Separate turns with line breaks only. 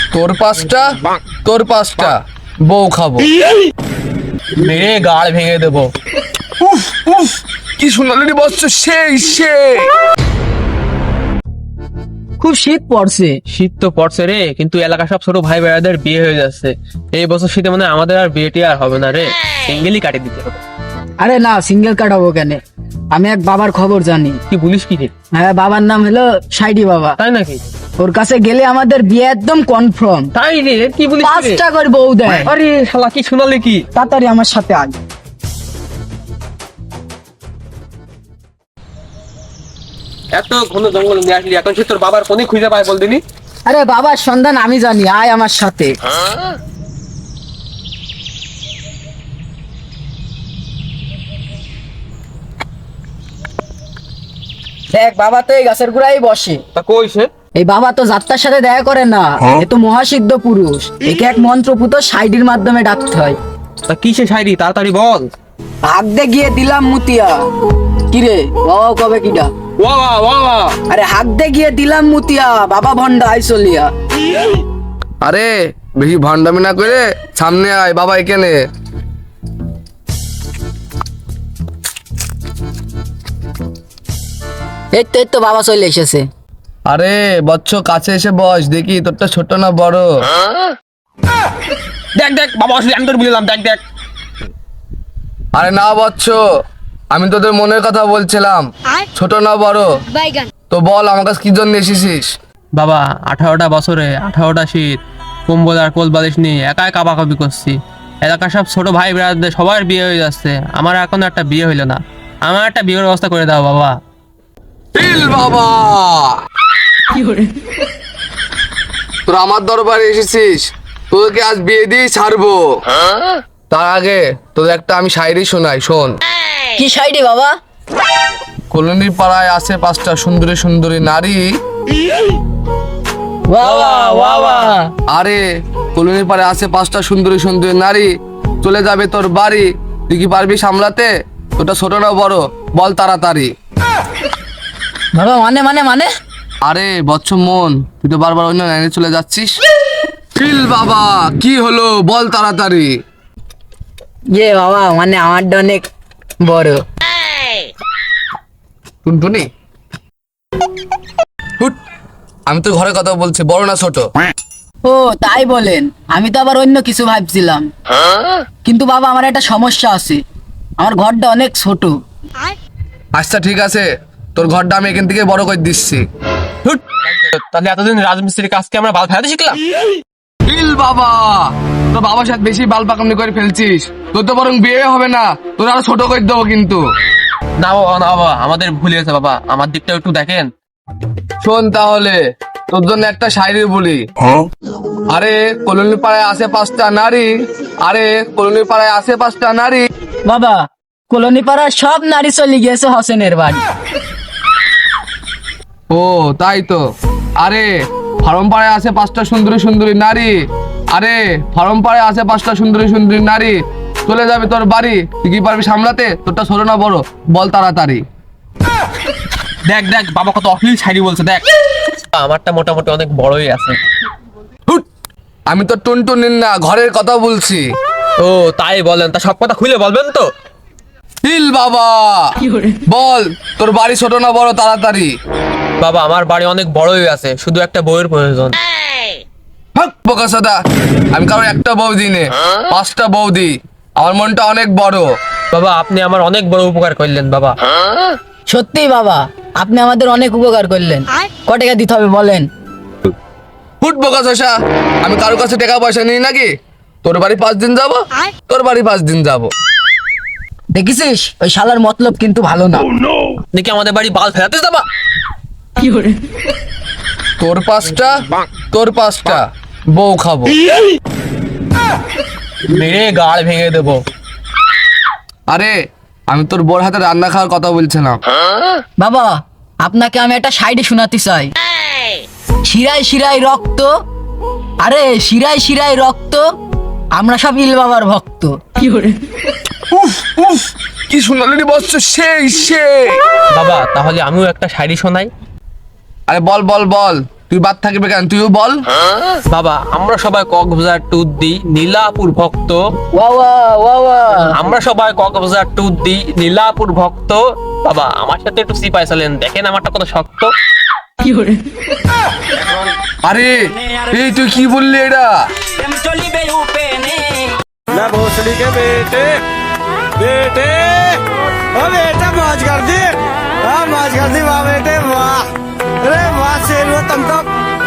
তোর পাঁচটা বউ খাবো,
মেরে গাড় ভেঙে দেবো।
উফ উফ কি সোনালি বচ্চ, সেই
খুব শীত পড়ছে।
শীত তো পড়ছে রে, কিন্তু এলাকা সব ছোট ভাই ভাইয়াদের বিয়ে হয়ে যাচ্ছে। এই বছর শীতে মানে আমাদের আর বিয়েটি আর হবে না রে, সিঙ্গেলই কাটিয়ে দিতে হবে।
আরে না, সিঙ্গেল কাটাবো কেন? আমি এক বাবার খবর জানি।
কি বলিস কি রে?
হ্যাঁ, বাবার নাম হলো সাইডি বাবা।
তাই নাকি?
ওর কাছে গেলে আমাদের বিয়ে একদম কনফার্ম।
তাই রে, কি বলিস কি রে?
5টা করে বউ দেয়।
আরে শালা কি শোনালে কি?
তাড়াতাড়ি আমার সাথে আয়।
এত ঘন জঙ্গল নিয়ে আসলি, এখন সে তোর বাবার কোনে খুঁজে পায় বলদিনি?
আরে বাবার সন্ধান আমি জানি, আয় আমার সাথে। দেখ, বাবা তো এই গাছের গোড়ায় বসে।
তা কই সে?
এই বাবা তো যাত্রার সাথে দেখা করে না, এ তো মহাসিদ্ধ পুরুষ। একে এক মন্ত্রপুত সাইডির মাধ্যমে ডাকতে হয়।
তা কি সে শায়রি, তাড়াতাড়ি বল।
ভাগ দে গিয়ে দিলাম মুতিয়া। কিরে বাবা কবে কিডা?
ওয়া ওয়া ওয়া,
আরে হাক দে গিয়ে দিলাম মুতিয়া, বাবা ভন্ডা আইসলিয়া।
আরে বেশি ভণ্ডামি না করে সামনে আয়, বাবা এখানে।
এই তো বাবা চলে এসেছে।
আরে বচ্চ কাছে এসে বস, দেখি তোরটা ছোট না বড়।
দেখ দেখ বাবা আসলে, আমি তোর বললাম, দেখ দেখ।
আরে না বচ্চ, আমি তোদের মনের কথা বলছিলাম, ছোট না বড়। তো বল আমার কাছে কি জন্য এসেছিস?
বাবা 18টা বছরে 18টা শীত, কম্বল আর কোল বালিশ নিয়ে একাই কাবাকাবি করছি। এলাকার সব ছোট ভাই ব্রাদারদের সবার বিয়ে হয়ে যাচ্ছে, আমার এখনো একটা বিয়ে হইলো না। আমার একটা বিয়ের ব্যবস্থা করে দাও বাবা।
ইল বাবা, তোরা আমার দরবারে এসেছিস, তোদেরকে আজ বিয়ে দিয়ে ছাড়বো। তার আগে তোদের একটা আমি শায়রি শোনাই, শোন।
কি সাইডি বাবা?
কলোনির পাড়ায় আছে 5টা সুন্দরী সুন্দরী নারী।
বাবা বাবা,
আরে কলোনির পাড়ায় আছে 5টা সুন্দরী সুন্দরী নারী, চলে যাবে তোর বাড়ি, তুই কি পারবি সামলাতে? তোটা ছোট না বড়, বল তাড়াতাড়ি।
বাবা মানে মানে মানে
আরে বচ্চ মন, তুই তো বারবার অন্য লাইনে চলে যাচ্ছিস। চিল বাবা, কি হলো বল তাড়াতাড়ি।
বাবা মানে আমারটা অনেক বড়।
টুনটুনি, হুট, আমি তো ঘরে কথা বলছি, বড় না ছোট?
ও তাই বলেন, আমি তো আবার অন্য কিছু ভাবছিলাম। কিন্তু বাবা আমার একটা সমস্যা আছে, আমার ঘরটা অনেক ছোট।
আচ্ছা ঠিক আছে, তোর ঘরটা আমি এখান থেকে বড় করে দিচ্ছি।
হুট, তাহলে এতদিন রাজমিস্ত্রির কাজকে আমরা বাল ফেলাতে শিখলাম।
চিল বাবা, তোর বাবার সাথে বেশি বাল পাকামি করে ফেলছিস, তোর তো বরং বিয়ে হবে না, তোর আরো ছোট করে দেবো কিন্তু।
না বাবা না বাবা, আমাদের ভুল হয়েছে বাবা, আমার দিকটা একটু দেখেন।
শোন তাহলে, তোর জন্য একটা শায়রি বলি। আরে কলোনির পাড়ায় আছে 5টা নারী, আরে কলোনির পাড়ায় আছে 5টা নারী।
বাবা কলোনি পাড়ার সব নারী চলে গিয়েছে হোসেনের বাড়ি।
ও তাই তো। আরে ফার্ম পাড়ায় আছে 5টা সুন্দরী সুন্দরী নারী, আরে ফার্ম পাড়ায় আছে 5টা সুন্দরী সুন্দরী নারী, চলে যাবে তোর বাড়ি, তুই কি পারবি সামলাতে? তোরটা ছোট না বড়, বল তাড়াতাড়ি।
দেখ দেখ বাবা কত অশ্লীল শায়রি বলছে, দেখ। আমারটা মোটামুটি অনেক বড়ই আছে।
হুট, আমি তো টুনটুনির না, ঘরের কথা বলছি।
ও তাই বলেন, তা সব কথা খুলে বলবেন তো?
হিল বাবা, বল তোর বাড়ি ছোট না বড়, তাড়াতাড়ি।
বাবা আমার বাড়ি অনেক বড়ই আছে, শুধু একটা বউয়ের প্রয়োজন।
হক বোকাসাদা, আমি কারোর একটা বউ দিই নে, 5টা বউ দিই, আমার মনটা অনেক বড়।
বাবা আপনি আমার অনেক বড় উপকার করলেন বাবা।
সত্যি বাবা, আপনি আমাদের অনেক উপকার করলেন। ক টাকা দিতে হবে বলেন?
ফুট বোকাসা, আমি কারোর কাছে টাকা পয়সা নিই নাকি? তোর বাড়ি 5 দিন যাব, তোর বাড়ি 5 দিন যাব।
দেখেছিস, ওই শালার মতলব কিন্তু ভালো না।
দেখি আমাদের বাড়ি বাল ফেলাতে যাবা।
তোর পাঁচটা বউ খাবো,
মেরে গাড় ভেঙে দেবো।
আরে আমি তোর বোর হাতে রান্না খাওয়ার কথা বলছিলাম।
বাবা আপনাকে আমি একটা সাইডে শোনাতে চাই। শিরায় শিরায় রক্ত, আরে শিরায় শিরায় রক্ত, আমরা সব ইল বাবার ভক্ত।
উফ উফ কি সোনালি বচ্চ, সেই
বাবা তাহলে আমিও একটা শায়রি শোনাই।
আরে বল বল বল, তুই বাদ থাকবে কেন, তুইও বল।
বাবা আমরা সবাই কক্সবাজার ট্যুর দিই, নীলাপুর ভক্ত।
ওয়া ওয়া
আমরা সবাই কক্সবাজার ট্যুর দিই, নীলাপুর ভক্ত। বাবা আমার সাথে একটু সিপাই চলেন, দেখেন আমারটা কত শক্ত।
আরে এই তুই কি বললি এটা?
मैं भोसड़ी के बेटे बेटे ओ बेटा मौज कर दी, हाँ मौज कर दी वाह बेटे वाह, अरे वाह शेर वो तुम तो